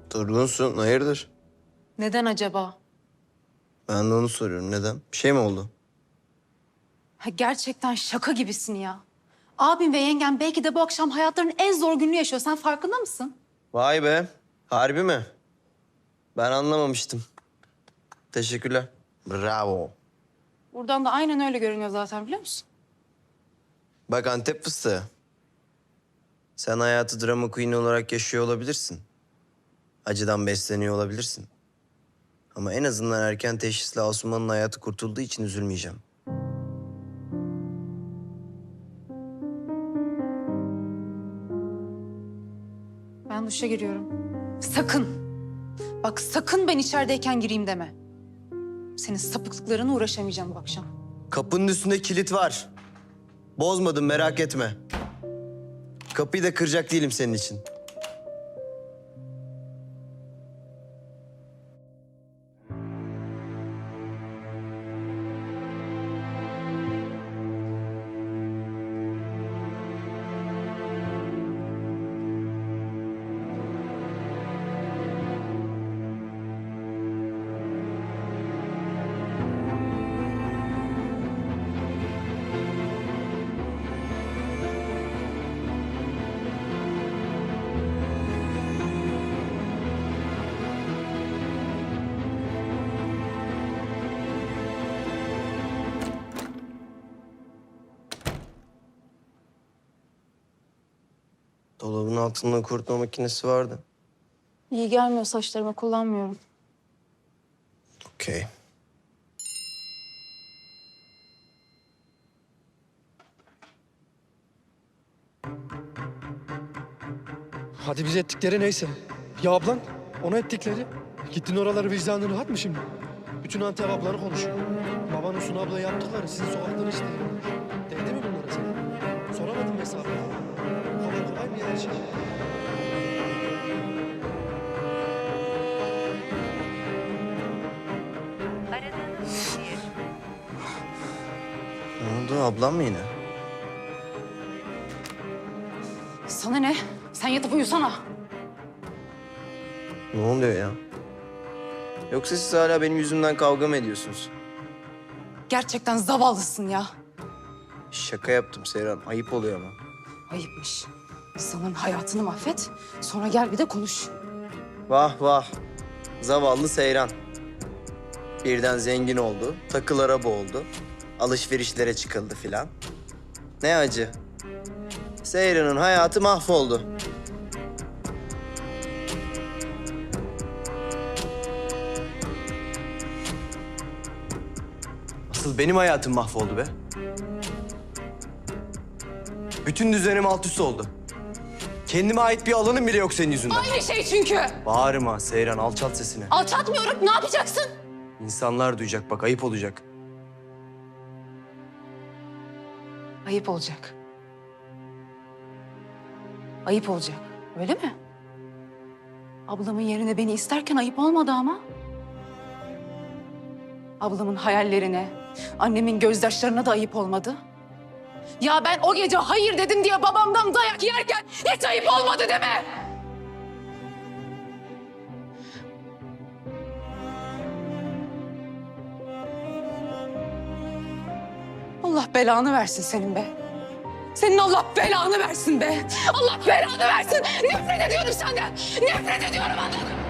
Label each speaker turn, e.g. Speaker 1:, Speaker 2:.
Speaker 1: Durgunsun, hayırdır?
Speaker 2: Neden acaba?
Speaker 1: Ben de onu soruyorum. Neden? Bir şey mi oldu?
Speaker 2: Ha, gerçekten şaka gibisin ya. Abim ve yengem belki de bu akşam hayatlarının en zor gününü yaşıyor. Sen farkında mısın?
Speaker 1: Vay be. Harbi mi? Ben anlamamıştım. Teşekkürler. Bravo.
Speaker 2: Buradan da aynen öyle görünüyor zaten, biliyor musun?
Speaker 1: Bak Antep fıstığı. Sen hayatı drama queen olarak yaşıyor olabilirsin. Acıdan besleniyor olabilirsin. Ama en azından erken teşhisle Asuman'ın hayatı kurtulduğu için üzülmeyeceğim.
Speaker 2: Ben duşa giriyorum. Sakın. Bak sakın ben içerideyken gireyim deme. Senin sapıklıklarına uğraşamayacağım bu akşam.
Speaker 1: Kapının üstünde kilit var. Bozmadım, merak etme. Kapıyı da kıracak değilim senin için. Dolabın altında kurutma makinesi vardı.
Speaker 2: İyi gelmiyor saçlarıma, kullanmıyorum.
Speaker 1: Okey.
Speaker 3: Hadi biz ettikleri neyse. Ya ablan, ona ettikleri. Gittin oraları vicdanın rahat mı şimdi? Bütün Antep ablanı konuşuyor. Babanın Sunu abla yaptıkları sizin sokaktan işte. Değdi mi bunlara sana? Soramadın mı hesabını? Bu kadar kolay mı ya her şey?
Speaker 4: Aradığınız kişiye
Speaker 1: Ne oldu? Ablam mı yine?
Speaker 2: Sana ne? Sen yatıp uyusana.
Speaker 1: Ne oluyor ya? Yoksa siz hala benim yüzümden kavga mı ediyorsunuz?
Speaker 2: Gerçekten zavallısın ya.
Speaker 1: Şaka yaptım Seyran. Ayıp oluyor ama.
Speaker 2: Ayıpmış. İnsanların hayatını mahvet, sonra gel bir de konuş.
Speaker 1: Vah vah. Zavallı Seyran. Birden zengin oldu, takılara boğuldu. Alışverişlere çıkıldı filan. Ne acı. Seyran'ın hayatı mahvoldu. Asıl benim hayatım mahvoldu be. Bütün düzenim alt üst oldu. Kendime ait bir alanım bile yok senin yüzünden.
Speaker 2: Aynı şey çünkü.
Speaker 1: Bağırma Seyran, alçalt sesini.
Speaker 2: Alçatmıyorum, ne yapacaksın?
Speaker 1: İnsanlar duyacak bak, ayıp olacak.
Speaker 2: Ayıp olacak. Ayıp olacak, öyle mi? Ablamın yerine beni isterken ayıp olmadı ama. Ablamın hayallerine, annemin gözyaşlarına da ayıp olmadı. Ya ben o gece hayır dedim diye babamdan dayak yerken hiç ayıp olmadı deme. Allah belanı versin senin be. Senin Allah belanı versin be. Allah belanı versin. Nefret ediyorum senden. Nefret ediyorum, anladın mı?